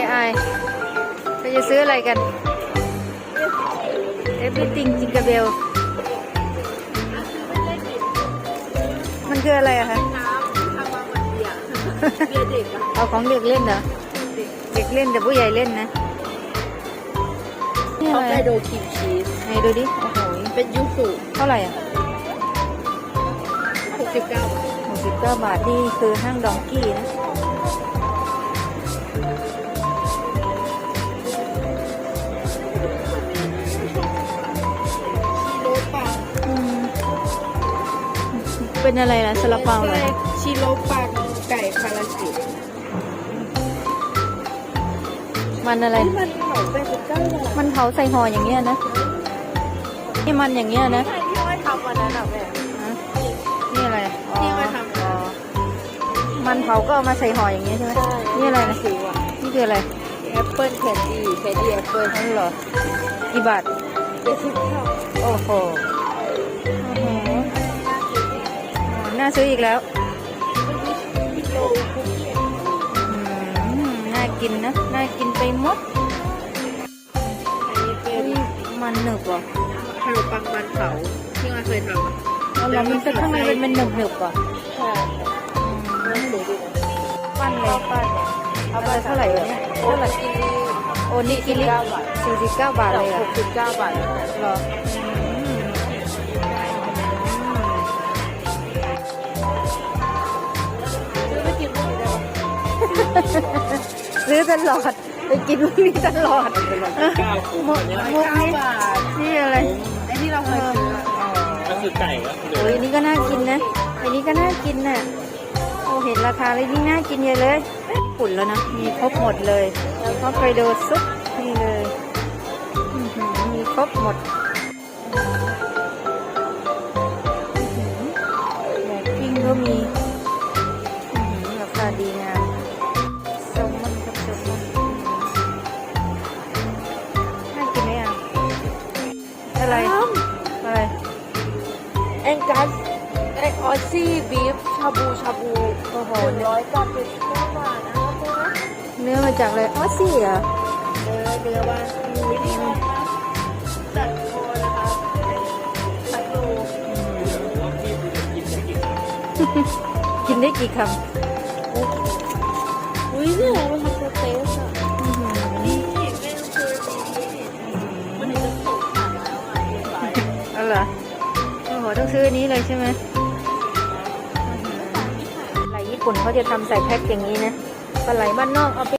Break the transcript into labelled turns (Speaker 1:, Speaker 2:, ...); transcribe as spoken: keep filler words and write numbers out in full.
Speaker 1: อายเราจะซื้ออะไรกัน everything Jingle Bell มันคืออะไรอะคะ
Speaker 2: น้ำทำมาเหมือนเบียร์เบียร์เด็กอะ
Speaker 1: เอาของเด็กเล่นเหรอ เด็กเล่นแต่ผู้ใหญ่เล่นนะนี่
Speaker 2: ฮอ
Speaker 1: อะ
Speaker 2: ก
Speaker 1: ไร
Speaker 2: ไกโดครีมชีส
Speaker 1: ไหนดูดิ โอ้โห
Speaker 2: เป็นยูสุ
Speaker 1: เท่าไหร่อ่ะ
Speaker 2: หกสิบเก้าบาท
Speaker 1: หกสิบเก้าบาทนี่คือห้างดองกี้นะ
Speaker 2: ชิโร่ปัง
Speaker 1: อืมเป็นอะไรล่ะซาลาเปาเหรอ
Speaker 2: ชิโร่ปังไก่คารากิ
Speaker 1: มันอะไร
Speaker 2: ที่มันเหมาไปสิบเก้าบาท
Speaker 1: มันเผาใส่ห่ออย่างเงี้ยนะ นี่มันอย่างเงี้ยนะ
Speaker 2: ใช่ที่ว่าทำวันนั้นอะแม่
Speaker 1: ฮะนี่อะไรอ๋อ
Speaker 2: ที่มาทำ
Speaker 1: อ๋อมันเผาก็เอามาใส่ห่ออย่างเงี้ยใช่ไหมนี่อะไรนะ
Speaker 2: สิวอะ
Speaker 1: นี่คืออะไร
Speaker 2: แอปเปิลแคนดี้แคนดี้แอปเปิล
Speaker 1: นั่นเหรอ กี่บาท
Speaker 2: เจ็ดสิบเก้า
Speaker 1: โอ้โห โอ้โหอ๋อน่าซื้ออีกแล้ว
Speaker 2: กิโลคุกกี้
Speaker 1: อืมน่ากินนะ น่ากินไปหมด
Speaker 2: อันนี้เป็น
Speaker 1: อุ๊ยมันหนึบเหรอ
Speaker 2: ขนมปังมันเผาที่มาเคยทำอะ
Speaker 1: แล้วเรามันจะข้างในเป็นมันหนึบหนึบๆเหรอ
Speaker 2: ใช่แล้วสวยดีนะ
Speaker 1: ปั้นเลย
Speaker 2: ปั้นเนี่ย
Speaker 1: เอาไปเท่าไหร่วะเนี่ย
Speaker 2: โอ้
Speaker 1: เท่าไหร่
Speaker 2: กิน
Speaker 1: โอ้นี่กินลิ
Speaker 2: เก้าบาท
Speaker 1: สี่สิบเก้าบาทเลยเหร
Speaker 2: ห
Speaker 1: อ่ะ
Speaker 2: กสิบเก้าบาท
Speaker 1: เหรออืม
Speaker 2: ซื้อไปกินพวกนี้ได้ปะ
Speaker 1: ซื้อตลอด ไปกินพวกนี้ตลอดมุกมุก
Speaker 2: เก้า
Speaker 1: นี้
Speaker 2: บาท
Speaker 1: นี่อะไร
Speaker 2: ไอ้ที่เราเคยซื้ออะ
Speaker 3: ก็คือไก่ก็คือ
Speaker 1: โอ้ยอันนี้ก็น่ากินนะอันนี้ก็น่ากินน่ะโอ้เห็นราคาเลยนี่น่ากินเยอะเลยญี่ปุ่นแล้วนะ มีครบหมดเลยฮอกไกโดซุปนี่เลยอื้อหือมีครบหมดอื้อหือแบบปิ้งก็มีอื้อหือราคาดีงามแซลมอนกับแซลมอนน่ากินไหมอ่ะอะไรอะไร
Speaker 2: แองกัสไอออซี่บีฟชาบูชาบู
Speaker 1: โอ้โห
Speaker 2: หนึ่งร้อยเก้าสิบเก้าบาทนะครับตัวนะ
Speaker 1: เนื้อมาจากอะไรออสซี่เหรอ
Speaker 2: เนื้อเนื้อว่าวิธีการจัดโคนะคะตัดโล
Speaker 1: กินได้กี่คำ
Speaker 2: อุ้ยเนี่ยมันทำสเต็กอะ
Speaker 1: อื้อหือ
Speaker 2: นี่ไม่ต้องซื้อนี้มันจะตกผ่านแล้วอ่ะเรียบร้อย
Speaker 1: เอาเหรอโอ้โหต้องซื้ออันนี้เลยใช่ไหมปลาไหลญี่ปุ่นเขาจะทำใส่แพ็คอย่างนี้นะปลาไหลบ้านนอกเอาไป